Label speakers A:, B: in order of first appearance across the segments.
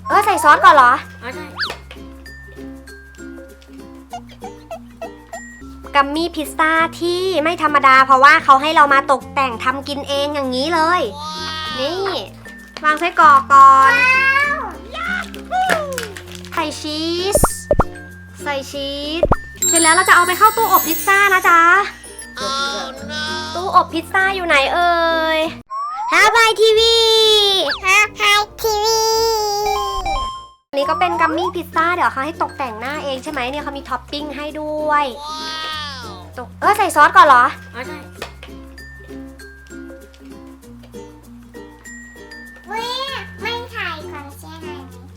A: ใส่ซอสก่อนเหรอ
B: อ๋อใช่
A: กัมมี่พิซซ่าที่ไม่ธรรมดาเพราะว่าเขาให้เรามาตกแต่งทำกินเองอย่างนี้เลย นี่วางไส้กรอกก่อนใส่ชีสเสร็จแล้วเราจะเอาไปเข้าตู้อบพิซซ่านะจ๊ะตู้อบพิซซ่าอยู่ไหนเอ่ยฮาไบทีวีอันนี้ก็เป็นกัมมี่พิซซ่าเดี๋ยวเขาให้ตกแต่งหน้าเองใช่ไหมเนี่ยเขามีท็อปปิ้งให้ด้วยใส่ซอสก่อนเหรอ
B: อ๋อใช่
C: ไม่ถ่ายก่อนใช่ไหม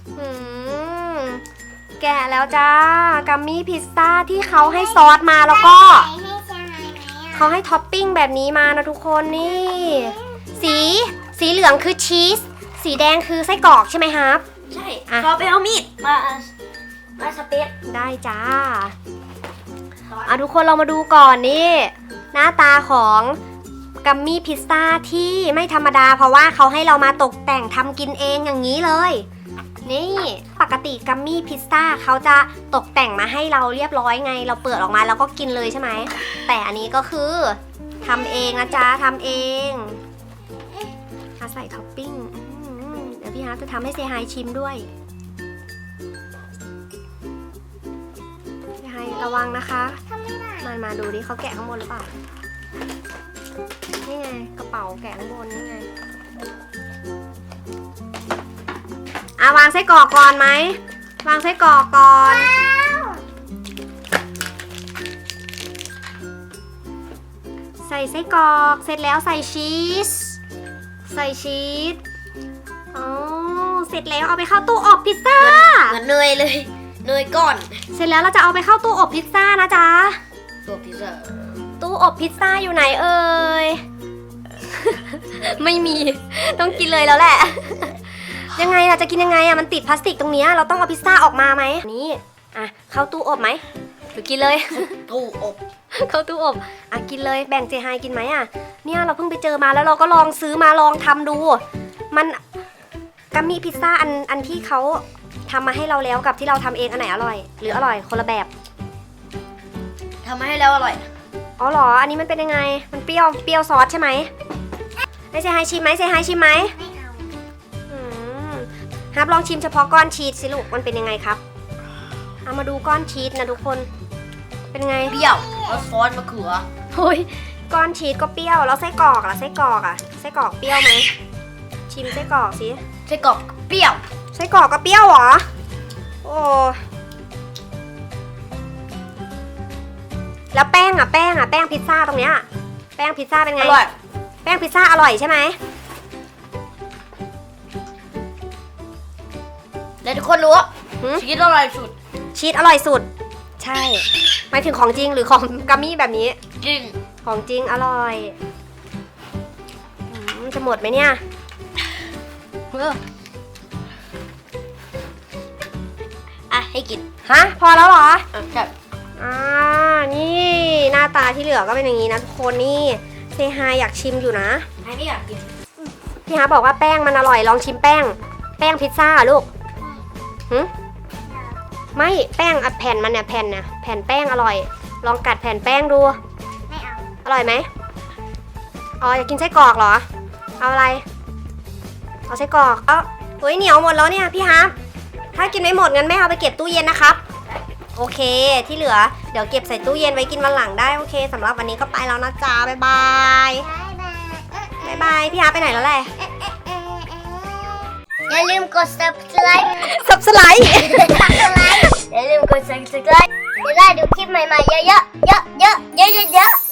A: แกะแล้วจ้ากัมมี่พิซซ่าที่เขาให้ซอสมาแล้วก็เขาให้ท็อปปิ้งแบบนี้มานะทุกคนนี่สีเหลืองคือชีสสีแดงคือไส้กรอกใช่ไหมครับ
B: ใช่ขอไปเอามีดมาสเปซ
A: ได้จ้าทุกคนเรามาดูก่อนนี่หน้าตาของกัมมี่พิซซ่าที่ไม่ธรรมดาเพราะว่าเขาให้เรามาตกแต่งทำกินเองอย่างนี้เลยนี่ปกติกัมมี่พิซซ่าเขาจะตกแต่งมาให้เราเรียบร้อยไงเราเปิดออกมาแล้วก็กินเลยใช่ไหมแต่อันนี้ก็คือทำเองนะจ๊ะทำเองใส่ท็อปปิ้งเดี๋ยวพี่ฮาร์ทจะทำให้เซฮายชิมด้วยเซฮายระวังนะคะมาดูดิเขาแกะข้างบนหรือเปล่านี่ไงกระเป๋าแกะข้างบนนี่ไงวางไส้กรอกก่อนไหมวางไส้กรอกก่อนใส่ไส้กรอกเสร็จแล้วใส่ชีสเสร็จแล้วเอาไปเข้าตู้อบพิซซ่า
B: เหมือนเนยเลยเนยก้อน
A: เสร็จแล้วเราจะเอาไปเข้าตู้อบพิซซ่านะจ๊ะ
B: ตู้พิซซ่า
A: ตู้อบพิซซ่าอยู่ไหนเอ่ย ไม่มีต้องกินเลยแล้วแหละ ยังไงล่ะจะกินยังไงมันติดพลาสติกตรงนี้เราต้องเอาพิซซ่าออกมาไหมนี่เข้าตู้อบไหมหรือกินเลย
B: ตู้อบ
A: เข้าตู้อบกินเลยแบ่งเจไฮกินไหมเนี่ยเราเพิ่งไปเจอมาแล้วเราก็ลองซื้อมาลองทำดูมันกัมมี่พิซซ่าอันที่เขาทำมาให้เราแล้วกับที่เราทำเองอันไหนอร่อยหรืออร่อยคนละแบบ
B: ทำมาให้แล้วอร่อย
A: อ๋อเหรออันนี้มันเป็นยังไงมันเปรี้ยวซอสใช่ไหมให้เซฮายชิมไหม
C: ไม่เอา
A: ฮับลองชิมเฉพาะก้อนชีสสิลูกมันเป็นยังไงครับเอามาดูก้อนชีสนะทุกคนเป็นไง
B: เปรี้ยวแล้วซอสมะเขือ
A: โอ้ยก้อนชีสก็เปรี้ยวแล้วไส้กรอกไส้กรอกเปรี้ยวไหมชิมไส้กรอกสิ
B: ไส้กรอกเปรี้ยว
A: ไส้กรอกก็เปรี้ยวเหรอโอ้แล้วแป้งพิซซ่าตรงเนี้ยแป้งพิซซ่าเป็นไง
B: อร่อย
A: แป้งพิซซ่าอร่อยใช่ไหม
B: แล้วทุกคนรู้ชีสอร่อยสุด
A: ใช่หมายถึงของจริงหรือของกัมมี่แบบนี้
B: จริง
A: ของจริงอร่อยจะหมดไหมเนี่ย
B: ให้กิน
A: พอแล้วเหรอ
B: ใช่
A: นี่หน้าตาที่เหลือก็เป็นอย่างนี้นะทุกคนนี่เซฮายอยากชิมอยู่นะ
B: ไม่อยากกิน
A: พี่ฮาบอกว่าแป้งมันอร่อยลองชิมแป้งพิซซ่าลูกไม่แป้งแผ่นมันเนี่ยแผ่นแป้งอร่อยลองกัดแผ่นแป้งดู
C: ไม่เอา
A: อร่อยไหมอยากกินไส้กรอกเหรอเอาอะไรเอาไส้กรอกเหนียวหมดแล้วเนี่ยพี่ฮาถ้ากินไม่หมดงั้นแม่เอาไปเก็บตู้เย็นนะครับโอเคที่เหลือเดี๋ยวเก็บใส่ตู้เย็นไว้กินวันหลังได้โอเคสำหรับวันนี้ก็ไปแล้วนะจ๊ะบ๊ายบายพี่ฮาไปไหนแล้วแหละ
C: อย่าลืมกด subscribe
A: อย่
C: าลืมกด subscribe จะได้ดูคลิปใหม่ๆเยอะๆ